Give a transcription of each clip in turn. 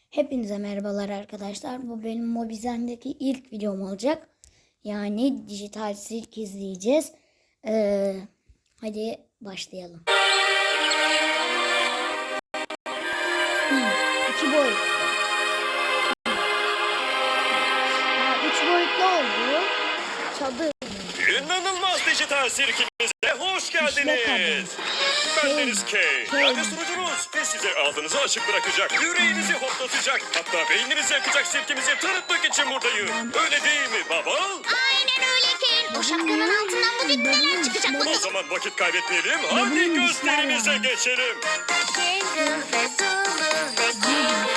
Hepinize merhabalar arkadaşlar. Bu benim Mobizen'deki ilk videom olacak. Yani dijital sirk izleyeceğiz. Hadi başlayalım. 2 boyut. 3 boyutlu oldu. Çadır. İnanılmaz dijital sirkimize hoş geldiniz. Ben Deniz K. Yani sunucunuz ve size ağzınızı açık bırakacak, yüreğinizi hoplatacak, hatta beyninizi yakacak sirkimizi tanıtmak için buradayım. Öyle değil mi baba? Aynen öyle Kane. O şapkanın altından bugün neler çıkacak O bakalım. zaman vakit kaybetmeyelim, hadi gösterimize geçelim. Kendin ve Zulu ve Kane.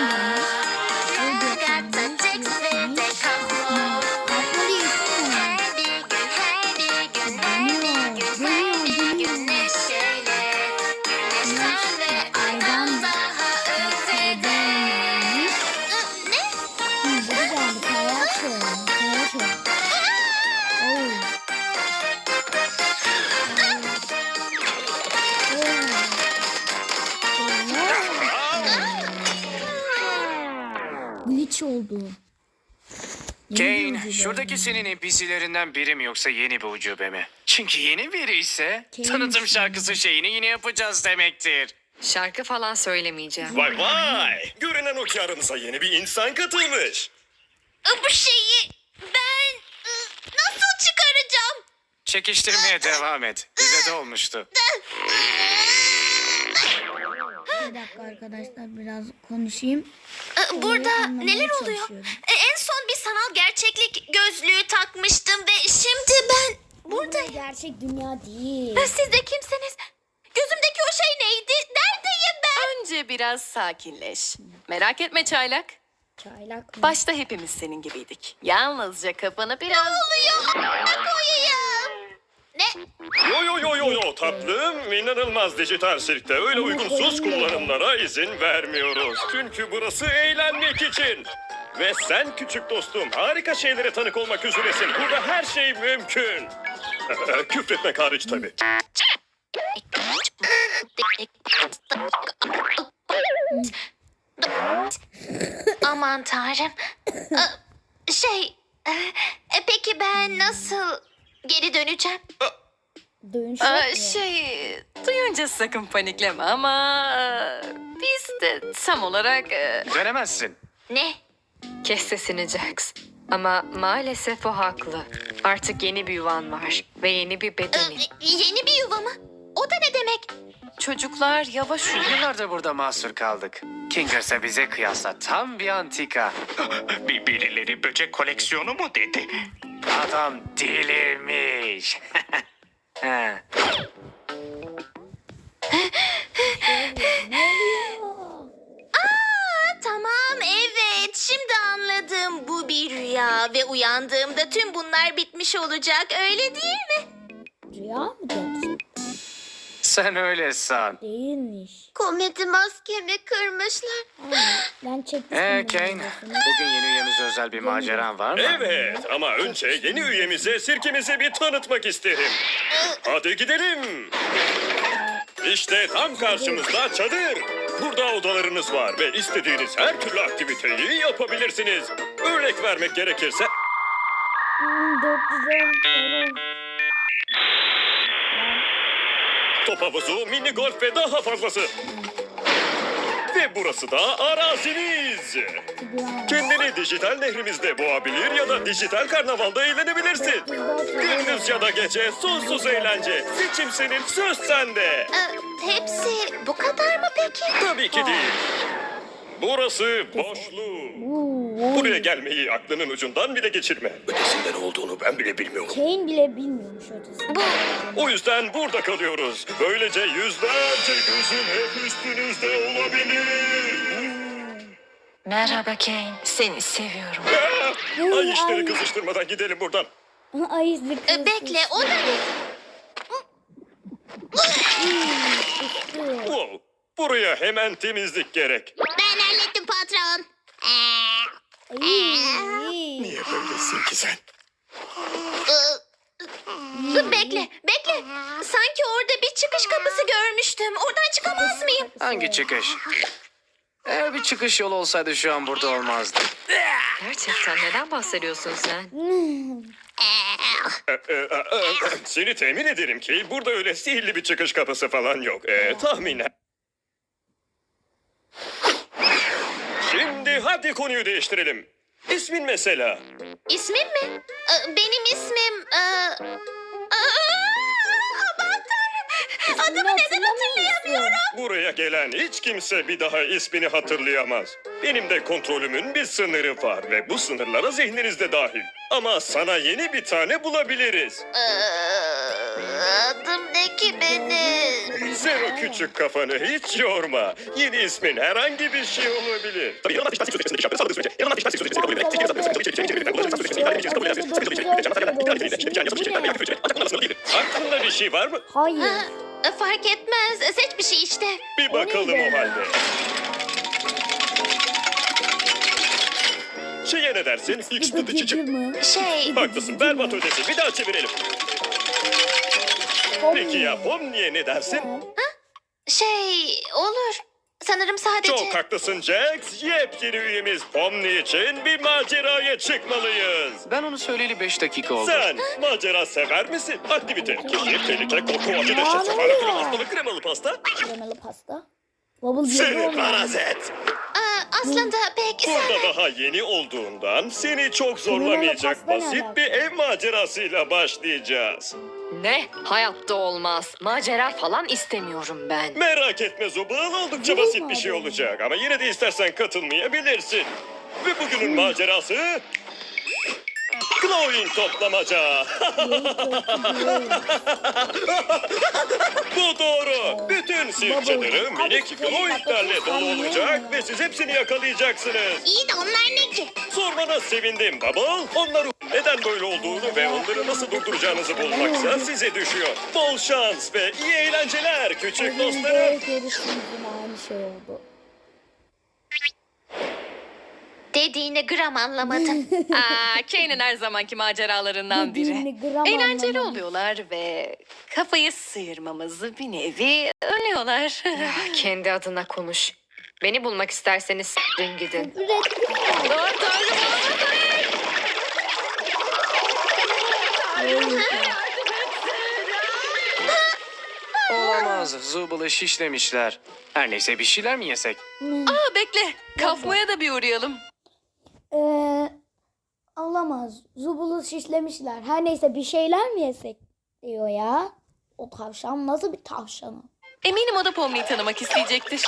Ragata, Jax ve de Kaplo. Her bir gün, her bir gün, her bir gün, her bir gün neşeyle. Güneşten ve aydan daha ötede. Ne? Glitch oldu. Kane, şuradaki senin NPC'lerinden biri mi yoksa yeni bir ucube mi? Çünkü yeni biri ise tanıtım şarkısı şeyini yine yapacağız demektir. Şarkı falan söylemeyeceğim. Vay vay, görünen o ki aramıza yeni bir insan katılmış. Bu şeyi ben nasıl çıkaracağım? Çekiştirmeye devam et. Bize de olmuştu. Bir dakika arkadaşlar, biraz konuşayım. Burada anlamaya neler oluyor? çalışıyorum. En son bir sanal gerçeklik gözlüğü takmıştım ve şimdi ben buradayım. Gerçek dünya değil. Siz de kimsiniz? Gözümdeki o şey neydi? Neredeyim ben? Önce biraz sakinleş. Merak etme çaylak. Çaylak mı? Başta hepimiz senin gibiydik. Yalnızca kafanı biraz... Oluyor. Ne koyayım? Ne? Yo tatlım, inanılmaz dijital sirkte öyle uygunsuz kullanımlara izin vermiyoruz. Çünkü burası eğlenmek için. Ve sen küçük dostum harika şeylere tanık olmak üzeresin. Burada her şey mümkün. Küfretmek hariç tabii. Aman tanrım. Peki ben nasıl geri döneceğim? Dönüş yok mu? Duyunca sakın panikleme ama... biz de tam olarak... Dönemezsin. Ne? kes sesini Jax. Ama maalesef o haklı. Artık yeni bir yuvan var ve yeni bir bedenin. Yeni bir yuva mı? O da ne demek? Çocuklar yavaş uyuyun. Yıllardır burada mahsur kaldık. Kingers'a bize kıyasla tam bir antika. Birileri böcek koleksiyonu mu dedi? Adam delirmiş. Ha. Tamam, evet, şimdi anladım. Bu bir rüya ve uyandığımda tüm bunlar bitmiş olacak, öyle değil mi? Rüya mı gerçek? Sen öyle san. Değilmiş. Komedi maskemi kırmışlar. Ben çekmiştim. Kane, videosunu. bugün yeni üyemize özel bir maceran var mı? Evet ama önce yeni üyemize sirkimizi bir tanıtmak isterim. Hadi gidelim. İşte tam karşımızda çadır. Burada odalarınız var ve istediğiniz her türlü aktiviteyi yapabilirsiniz. Örnek vermek gerekirse 410 euro. top havuzu, mini golf ve daha fazlası. Ve burası da araziniz. Kendini dijital nehrimizde boğabilir ya da dijital karnavalda eğlenebilirsin. Gündüz ya da gece sonsuz eğlence. Seçim senin, söz sende. Hepsi bu kadar mı peki? Tabii ki değil. Burası boşluğu. Buraya gelmeyi aklının ucundan bile geçirme. Ötesinde ne olduğunu ben bile bilmiyorum. Kane bile bilmiyormuş ötesi. O yüzden burada kalıyoruz. Böylece yüzlerce gözün hep üstünüzde olabilir. Merhaba Kane. Seni seviyorum. Ay işleri kızıştırmadan gidelim buradan. Ay zıkkı. Bekle, o da ne? Wow. Buraya hemen temizlik gerek. Ben hallettim patron. Niye böylesin ki sen? Bekle. Sanki orada bir çıkış kapısı görmüştüm. Oradan çıkamaz mıyım? Hangi çıkış? Eğer bir çıkış yolu olsaydı şu an burada olmazdı. Gerçekten neden bahsediyorsun sen? Seni temin ederim ki burada öyle sihirli bir çıkış kapısı falan yok. Tahminen. Şimdi hadi konuyu değiştirelim. İsmin mesela. İsmim mi? Benim ismim... Aman tanrım. Adımı neden hatırlayamıyorum? Buraya gelen hiç kimse bir daha ismini hatırlayamaz. Benim de kontrolümün bir sınırı var ve bu sınırlara zihniniz de dahil. Ama sana yeni bir tane bulabiliriz. Adım ne ki benim? Sen o küçük kafanı hiç yorma. Yeni ismin herhangi bir şey olabilir. Aklında bir şey var mı? Hayır. Fark etmez. Seç bir şey işte. Bir bakalım o halde. Şeye ne dersin? X dıdı çıçık. Şey... Haklısın, berbat ötesi. Bir daha çevirelim. Peki ya Pomni'ye ne dersin? Şey... Olur. Sanırım sadece... Çok haklısın Jax. Yepyeni üyemiz Pomni için bir maceraya çıkmalıyız. Ben onu söyleyeli 5 dakika oldu. Sen macera sever misin? Aktivite, keşif, tehlike, korku, acı, dehşet, sefalet, ölüm, hastalık, kremalı pasta. Kremalı pasta. Bubble Seni geliyor mu? parazit. Aslında pek... Burada daha yeni olduğundan seni çok zorlamayacak pasta ne basit alaka? bir ev macerasıyla başlayacağız. Ne? Hayatta olmaz. Macera falan istemiyorum ben. Merak etme Zubul, oldukça Zubul basit mu bir şey acaba? olacak ama yine de istersen katılmayabilirsin. Ve bugünün macerası... Glowing toplamaca. Bu doğru. Bütün sirk çadırı minik glowinglerle dolu olacak ve siz hepsini yakalayacaksınız. İyi de onlar ne ki? Sormana sevindim Bubble. Onların neden böyle olduğunu ve onları nasıl durduracağınızı bulmaksa size düşüyor. Bol şans ve iyi eğlenceler küçük dostlarım. Aynı şey oldu. Dediğini gram anlamadım. Kane'in her zamanki maceralarından Dediğini gram Eğlenceli anlamadım. oluyorlar ve kafayı sıyırmamızı bir nevi önlüyorlar. Kendi adına konuş. Beni bulmak isterseniz s**tin gidin. Olamaz. Zubal'ı şişlemişler. Her neyse bir şeyler mi yesek? Bekle. Kafmaya da bir uğrayalım. Olamaz. Zubulu şişlemişler. Her neyse bir şeyler mi yesek diyor ya. O tavşan nasıl bir tavşan o? Eminim o da Pomni'yi tanımak isteyecektir.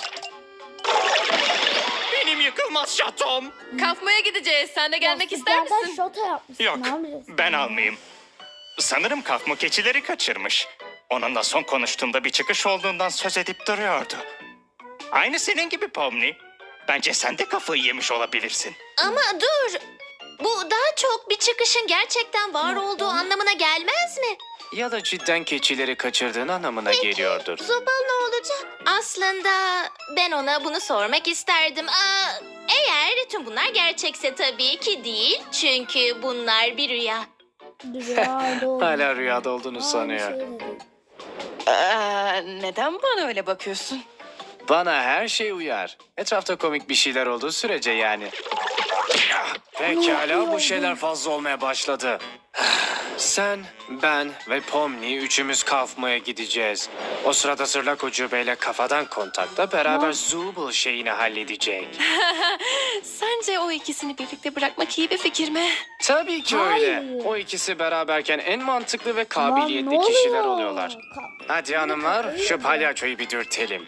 Benim yıkılmaz şatom. Kafmaya gideceğiz. Sen de gelmek ister Lastiklerden misin? şoto yapmışsın. Yok, ne yapacağız? ben almayayım. Sanırım kafmu keçileri kaçırmış. Onunla son konuştuğumda bir çıkış olduğundan söz edip duruyordu. Aynı senin gibi Pomni. Bence sen de kafayı yemiş olabilirsin. Ama dur. Bu daha çok bir çıkışın gerçekten var olduğu anlamına gelmez mi? Ya da cidden keçileri kaçırdığın anlamına geliyordur. Zobal ne olacak? Aslında ben ona bunu sormak isterdim. Eğer tüm bunlar gerçekse tabii ki değil. Çünkü bunlar bir rüya. Rüyada olmuş. Hala rüyada olduğunu Aynı sanıyor. şey dedi. Neden bana öyle bakıyorsun? Bana her şey uyar. Etrafta komik bir şeyler olduğu sürece yani. Pekala bu şeyler fazla olmaya başladı. Sen, ben ve Pomni üçümüz kafmaya gideceğiz. O sırada Zırlak Ucube'yle kafadan kontakta beraber Zubul şeyini halledecek. Sence o ikisini birlikte bırakmak iyi bir fikir mi? Tabii ki Hayır. öyle. O ikisi beraberken en mantıklı ve Lan kabiliyetli ne kişiler oluyor? oluyorlar. Hadi hanımlar şu palyaçoyu bir dürtelim.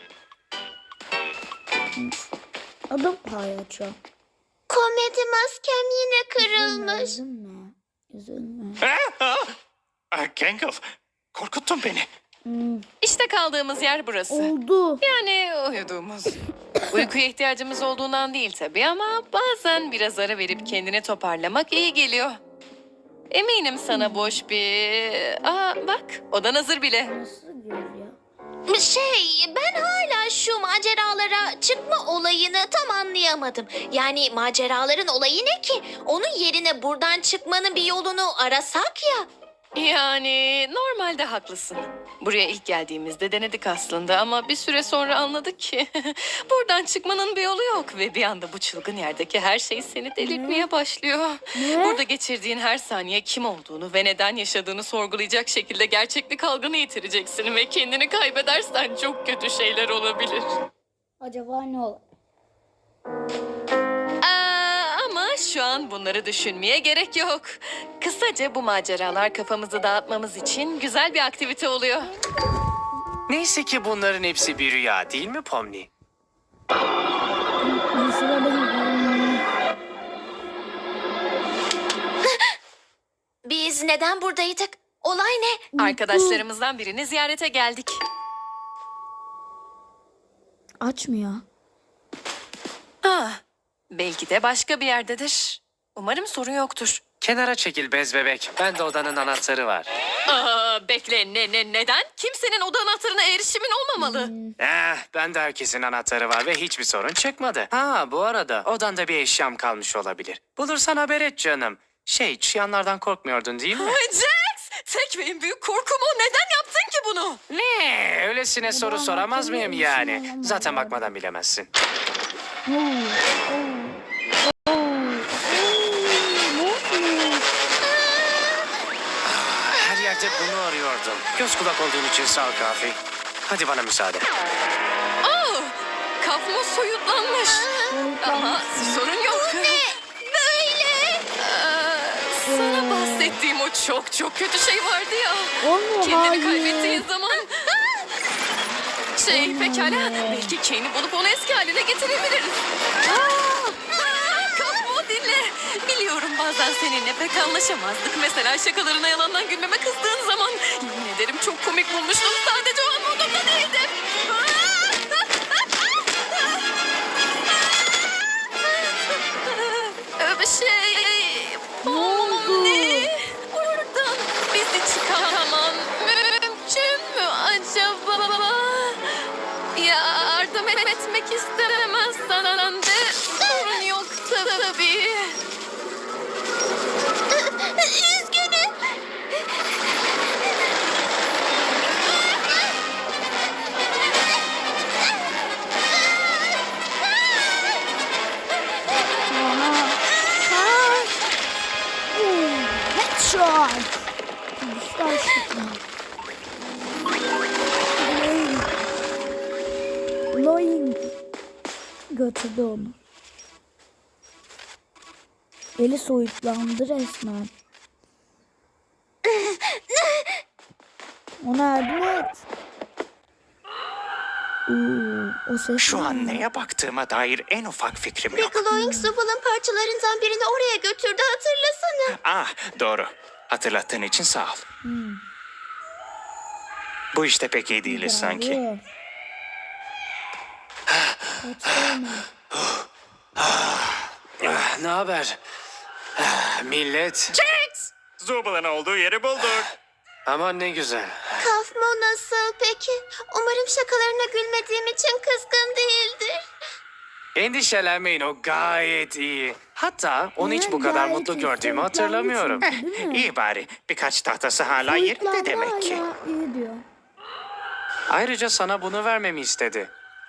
Adım palyaço. Komedi maskem yine kırılmış. Üzülme. Üzülme. Gangle, korkuttun beni. İşte kaldığımız yer burası. Oldu. Yani uyuduğumuz. Uykuya ihtiyacımız olduğundan değil tabii ama bazen biraz ara verip kendini toparlamak iyi geliyor. Eminim sana boş bir... Bak odan hazır bile. Nasıl diyor ya? Ben hala şu maceralara çıkma olayını tam anlayamadım. Yani maceraların olayı ne ki? Onun yerine buradan çıkmanın bir yolunu arasak ya. Yani normalde haklısın. Buraya ilk geldiğimizde denedik aslında ama bir süre sonra anladık ki buradan çıkmanın bir yolu yok ve bir anda bu çılgın yerdeki her şey seni delirtmeye başlıyor. Burada geçirdiğin her saniye kim olduğunu ve neden yaşadığını sorgulayacak şekilde gerçeklik algını yitireceksin ve kendini kaybedersen çok kötü şeyler olabilir. Acaba ne olur? Ama şu an bunları düşünmeye gerek yok. Kısaca bu maceralar kafamızı dağıtmamız için güzel bir aktivite oluyor. Neyse ki bunların hepsi bir rüya değil mi Pomni? Mesela Biz neden buradaydık? Olay ne? Arkadaşlarımızdan birini ziyarete geldik. açmıyor. Belki de başka bir yerdedir. Umarım sorun yoktur. Kenara çekil bez bebek. Ben de odanın anahtarı var. Bekle neden? Kimsenin oda anahtarına erişimin olmamalı. Ben de herkesin anahtarı var ve hiçbir sorun çıkmadı. Ha bu arada odanda bir eşyam kalmış olabilir. Bulursan haber et canım. Çıyanlardan korkmuyordun değil mi? Jax! Tek ve en büyük korkum o. Neden yaptın ki bunu? Ne? Öylesine soru soramaz mıyım yani? Zaten bakmadan bilemezsin. Her yerde bunu arıyordum. Göz kulak olduğun için sağ ol Kafi. Hadi bana müsaade. Kafma soyutlanmış. Ama sorun yok. Böyle. Sana bahsettiğim o çok kötü şey vardı ya. Olmuyor, Kendini hayır. kaybettiğin zaman... Pekala. Belki Kane'i bulup onu eski haline getirebiliriz. Kafmo dinle. Biliyorum bazen seninle pek anlaşamazdık. Mesela şakalarına yalandan gülmeme kızdığın zaman. Yemin ederim çok komik bulmuştum. Sadece o an modumda değildim. Pomni. Buradan bizi çıkaramam mümkün mü acaba? Yardım etmek istemezsen de sorun yok tabii. Üzgünüm. Headshot. Güçler şıkkı. Loing. Götürdü onu. Eli soyutlandı resmen. Ona yardım et. O ses Şu ne? an neye baktığıma dair en ufak fikrim yok. Glowing Zubal'ın parçalarından birini oraya götürdü, hatırlasana. Ah doğru. Hatırlattığın için sağ ol. Bu işte pek iyi değiliz sanki. Bravo. Kaçtı Ne haber? Millet. Zubal'ın olduğu yeri bulduk. Aman ne güzel. Kafmo nasıl peki? Umarım şakalarına gülmediğim için kızgın değildir. Endişelenmeyin, o gayet iyi. Hatta onu hiç bu kadar Gayet mutlu iyi, gördüğümü soyutlandı hatırlamıyorum. çünkü, değil mi? İyi bari. Birkaç tahtası hala yerinde Soyutlandı demek ki. hala, iyi diyor. Ayrıca sana bunu vermemi istedi.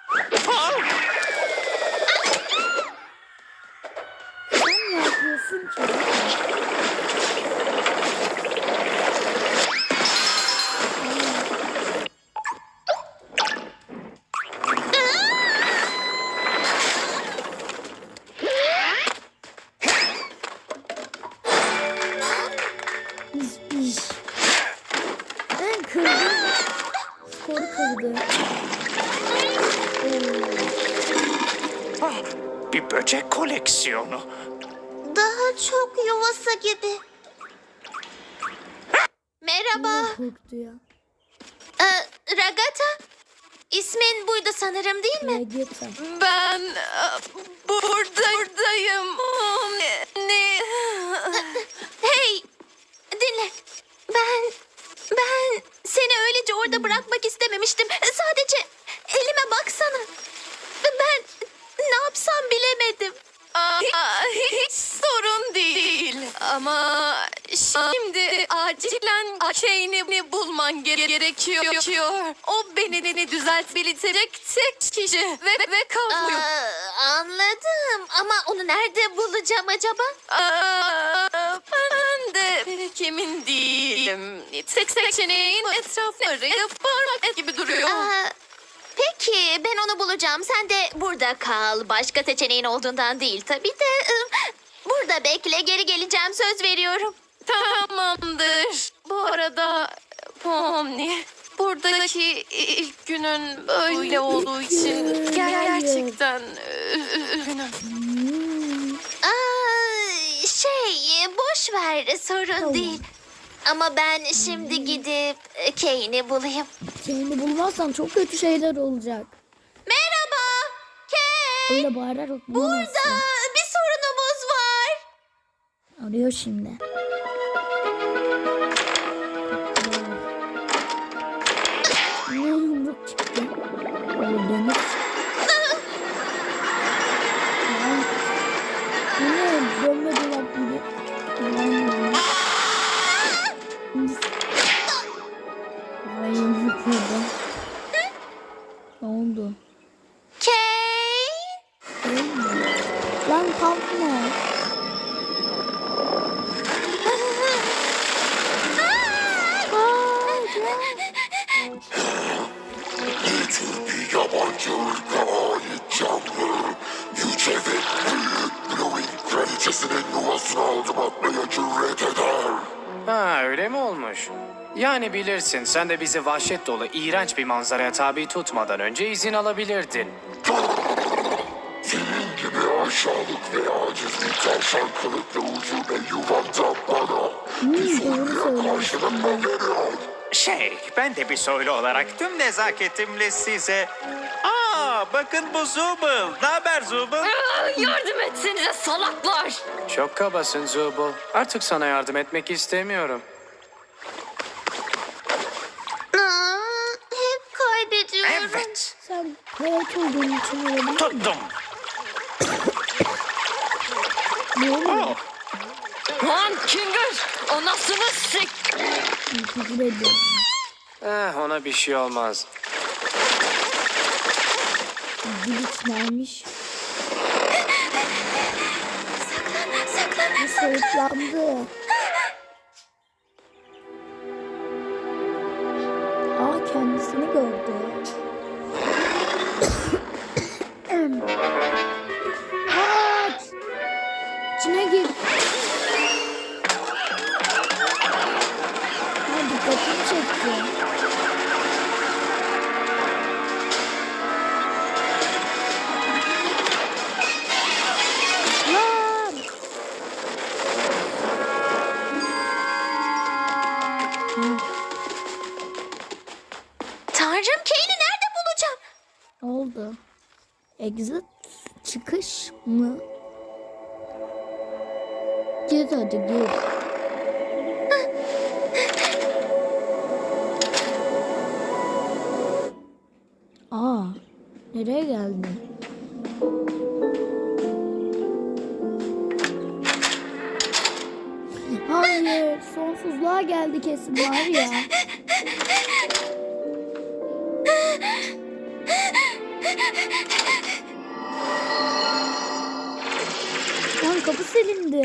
Sen ne yapıyorsun ki? İş. Ben kırdım. Skoru kırdı. Ah, bir böcek koleksiyonu. Daha çok yuvası gibi. Merhaba. Korktu ya. Ragata. İsmin buydu sanırım, değil mi? Ya git sen. Ben buradayım. Ne? Hey, dinle. Ben seni öylece orada bırakmak istememiştim. Sadece elime baksana. Ben ne yapsam bilemedim. Hiç sorun değil. Ama şimdi acil acilen şeyini bulman gerekiyor. O beni düzeltebilecek tek kişi ve kalmıyor. Anladım ama onu nerede bulacağım acaba? Ben de pek emin değilim. Tek seçeneğin etrafları parmak gibi duruyor. Peki ben onu bulacağım. Sen de burada kal. Başka seçeneğin olduğundan değil tabii de. Burada bekle, geri geleceğim, söz veriyorum. Tamamdır. Bu arada Pomni, buradaki ilk günün böyle olduğu için gerçekten üzgünüm. Boş ver, sorun Tamam. değil. Ama ben şimdi gidip Kane'i bulayım. Seni bulmazsan çok kötü şeyler olacak. Merhaba, Kane. Öyle bağırarak Burada bulamazsın. bir sorunumuz var. Arıyor şimdi. Ne yumruk çıktı? Öldünüz. Bu ne? Dönme dolap gibi. Ay yumruk yedi. Ne oldu? Kane. Lan kalkma. Ne tür bir yabancı ırka ait canlı, yüce ve büyük Blowing kraliçesinin yuvasına adım atmaya cüret eder. Ha, öyle mi olmuş? Yani bilirsin, sen de bizi vahşet dolu, iğrenç bir manzaraya tabi tutmadan önce izin alabilirdin. Senin gibi aşağılık ve aciz bir tavşan kılıklı ucube yuvanda bana bir soruya karşılık mı veriyor? Ben de bir soylu olarak tüm nezaketimle size... bakın bu Zubul. Ne haber Zubul? Yardım etsenize salaklar. Çok kabasın Zubul. Artık sana yardım etmek istemiyorum. Hep kaybediyorum. Evet. Sen hayat olduğun için olabilir mi? Tuttum. Ne oluyor? Oh, Lan Kinger, anasını sik. Küfür ediyorum. Ona bir şey olmaz. Glitch neymiş? Saklan. Soğuklandı. Kendisini gördü. Kaç! İçine gir. Dikkatimi çekti. Lan! Tanrım, Kane'i nerede bulacağım? Ne oldu? Exit çıkış mı? Gir hadi gir. Nereye geldi? Hayır, sonsuzluğa geldi kesin var ya. Lan kapı silindi.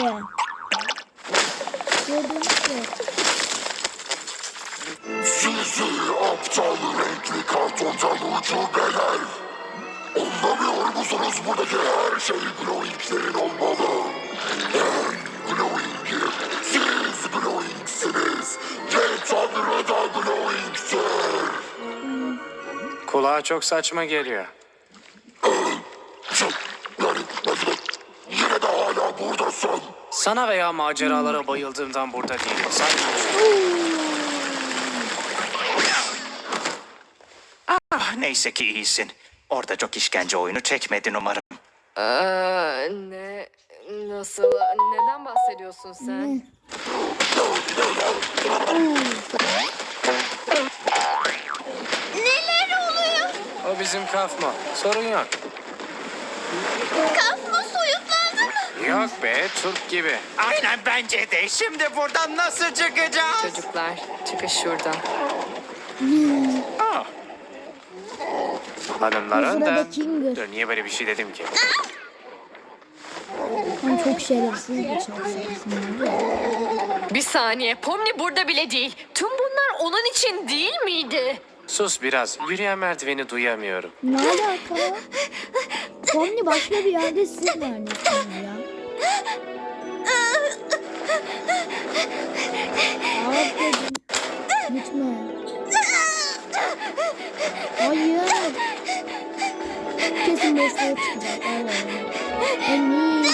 Gördünüz mü? Sizi aptal renkli kartondan ucubeler. Anlamıyor musunuz, buradaki her şey Glowing'lerin olmalı. Ben Glowing'im, siz Glowing'siniz. Ve Tanrı da Glowing'tir. Kulağa çok saçma geliyor. Yine de hala buradasın. Sana veya maceralara bayıldığımdan burada değilim. Sadece... Neyse ki iyisin. Orada çok işkence oyunu çekmedin umarım. Ne? Nasıl? Neden bahsediyorsun sen? Neler oluyor? O bizim kafma. Sorun yok. Kafma soyutlandı mı? Yok be, Türk gibi. Aynen bence de. Şimdi buradan nasıl çıkacağız? Çocuklar, çıkış şuradan. Aa, Hanımların da... Sırada Kinger. Dur, niye böyle bir şey dedim ki? Sen çok şerefsiz bir çalışansın. Bir saniye, Pomni burada bile değil. Tüm bunlar onun için değil miydi? Sus biraz, yürüyen merdiveni duyamıyorum. Ne alaka? Pomni başka bir yerde, siz neredesiniz ya? Aferin. Gitme. Hayır. Kesin boşluğa çıkacak. Eminim.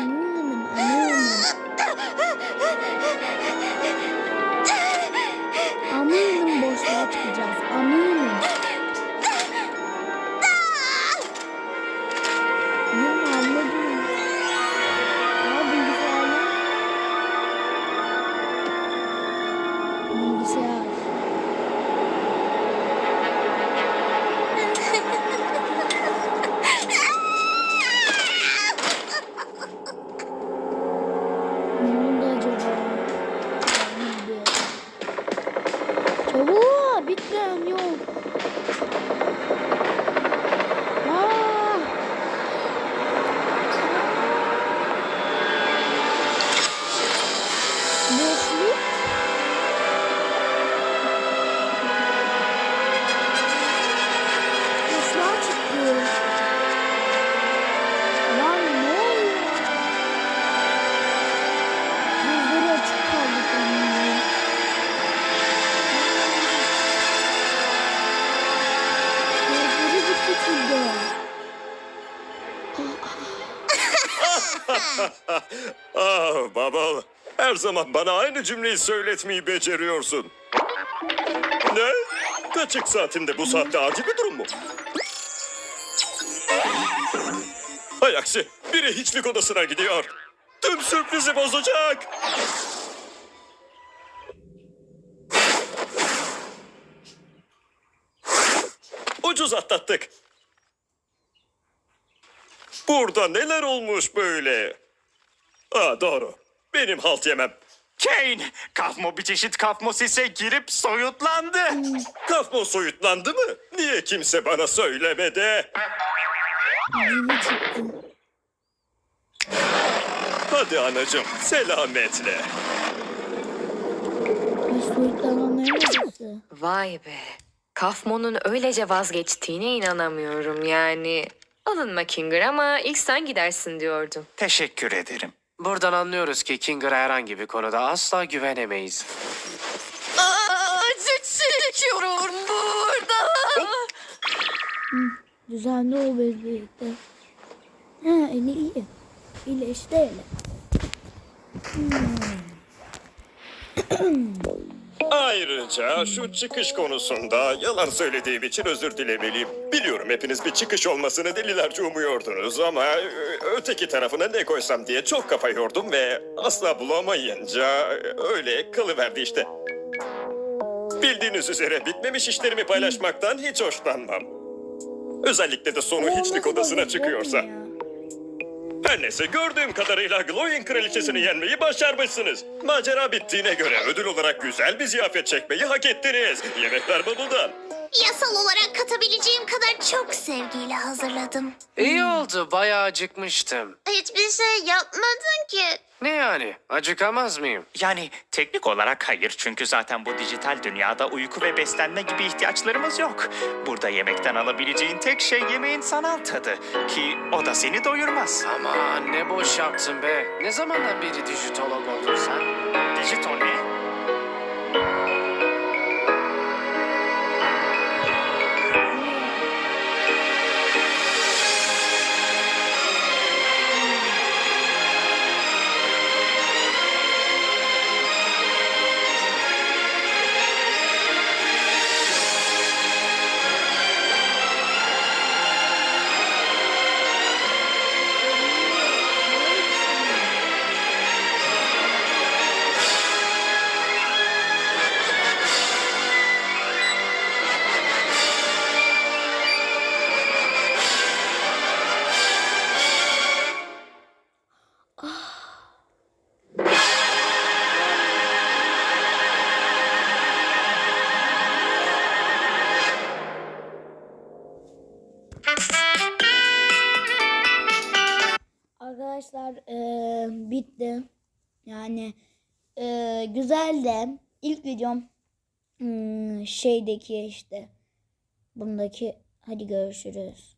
Eminim boşluğa çıkacağız. Eminim. Anladım. Bilgisayar. Ne oldu acaba? Neydi? Çabuk bitmem yok. Aa! Boşluk. Boşluğa çıktı. Lan ne oluyor? Gözleri açık kaldı onların. Gözleri bir küçüldü. Ah Bubble, her zaman bana aynı cümleyi söyletmeyi beceriyorsun. Ne? Kaçık saatimde bu saatte acil bir durum mu? Hay aksi, biri hiçlik odasına gidiyor. Tüm sürprizi bozacak. Ucuz atlattık. Burada neler olmuş böyle? Aa doğru. Benim halt yemem. Kane, Kafmo bir çeşit kafmosise girip soyutlandı. Kafmo soyutlandı mı? Niye kimse bana söylemedi? Yeni çıktı. Hadi anacığım, selametle. Ay soyutlananların odası. Vay be. Kafmon'un öylece vazgeçtiğine inanamıyorum yani. Alınma Kinger ama ilk sen gidersin diyordum. Teşekkür ederim. Buradan anlıyoruz ki Kinger'a herhangi bir konuda asla güvenemeyiz. Acı çekiyorum burada. Düzenli ol birlikte. Ha eli iyi. İyileşti eli. Ayrıca şu çıkış konusunda yalan söylediğim için özür dilemeliyim. Biliyorum hepiniz bir çıkış olmasını delilerce umuyordunuz ama öteki tarafına ne koysam diye çok kafa yordum ve asla bulamayınca öyle kalıverdi işte. Bildiğiniz üzere bitmemiş işlerimi paylaşmaktan hiç hoşlanmam. Özellikle de sonu hiçlik odasına çıkıyorsa. Her neyse gördüğüm kadarıyla Glowing kraliçesini yenmeyi başarmışsınız. Macera bittiğine göre ödül olarak güzel bir ziyafet çekmeyi hak ettiniz. Yemekler Bubble'dan. Yasal olarak katabileceğim kadar çok sevgiyle hazırladım. İyi oldu, bayağı acıkmıştım. Hiçbir şey yapmadın ki. Ne yani, acıkamaz mıyım? Yani teknik olarak hayır çünkü zaten bu dijital dünyada uyku ve beslenme gibi ihtiyaçlarımız yok. Burada yemekten alabileceğin tek şey yemeğin sanal tadı ki o da seni doyurmaz. Aman ne boş yaptın be. Ne zamandan beri dijitolog oldun sen? Dijital ne? arkadaşlar bitti. Yani güzel de ilk videom şeydeki işte bundaki hadi görüşürüz.